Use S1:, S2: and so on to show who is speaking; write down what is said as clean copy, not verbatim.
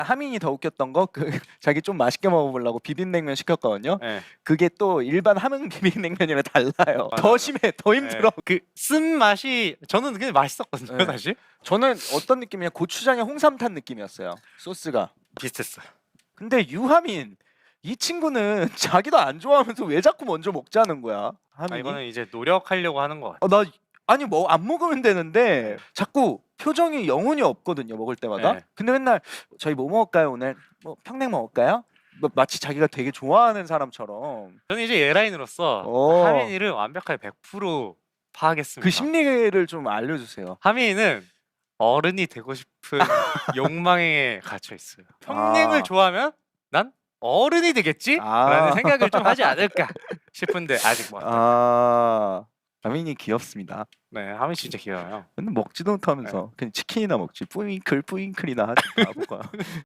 S1: 하민이 더 웃겼던 거 그 자기 좀 맛있게 먹어보려고 비빔냉면 시켰거든요.
S2: 네.
S1: 그게 또 일반 함흥 비빔냉면이랑 달라요.
S2: 맞아,
S1: 더
S2: 맞아.
S1: 심해, 더 힘들어.
S2: 그 쓴 맛이 저는 그게 맛있었거든요,
S1: 네.
S2: 사실.
S1: 저는 어떤 느낌이냐, 고추장에 홍삼탄 느낌이었어요. 소스가.
S2: 비슷했어요.
S1: 근데 유하민 이 친구는 자기도 안 좋아하면서 왜 자꾸 먼저 먹자는 거야? 하민이?
S2: 이거는 이제 노력하려고 하는 것 같아요.
S1: 나 아니 뭐 안 먹으면 되는데
S2: 네.
S1: 자꾸 표정이 영혼이 없거든요, 먹을 때마다.
S2: 네.
S1: 근데 맨날 저희 뭐 먹을까요 오늘? 뭐 평냉 먹을까요? 뭐 마치 자기가 되게 좋아하는 사람처럼.
S2: 저는 이제 예라인으로서
S1: 어.
S2: 하민이를 완벽하게 100% 파악했습니다.
S1: 그 심리를 좀 알려주세요.
S2: 하민이는 어른이 되고 싶은 욕망에 갇혀 있어요. 평냉을
S1: 아.
S2: 좋아하면 난 어른이 되겠지?
S1: 아.
S2: 라는 생각을 좀 하지 않을까 싶은데 아직 뭐.
S1: 하민이 귀엽습니다.
S2: 네, 하민 진짜 귀여워요.
S1: 근데 먹지도 못하면서 그냥 치킨이나 먹지. 뿌잉클 뿌잉클이나 하지 바보가.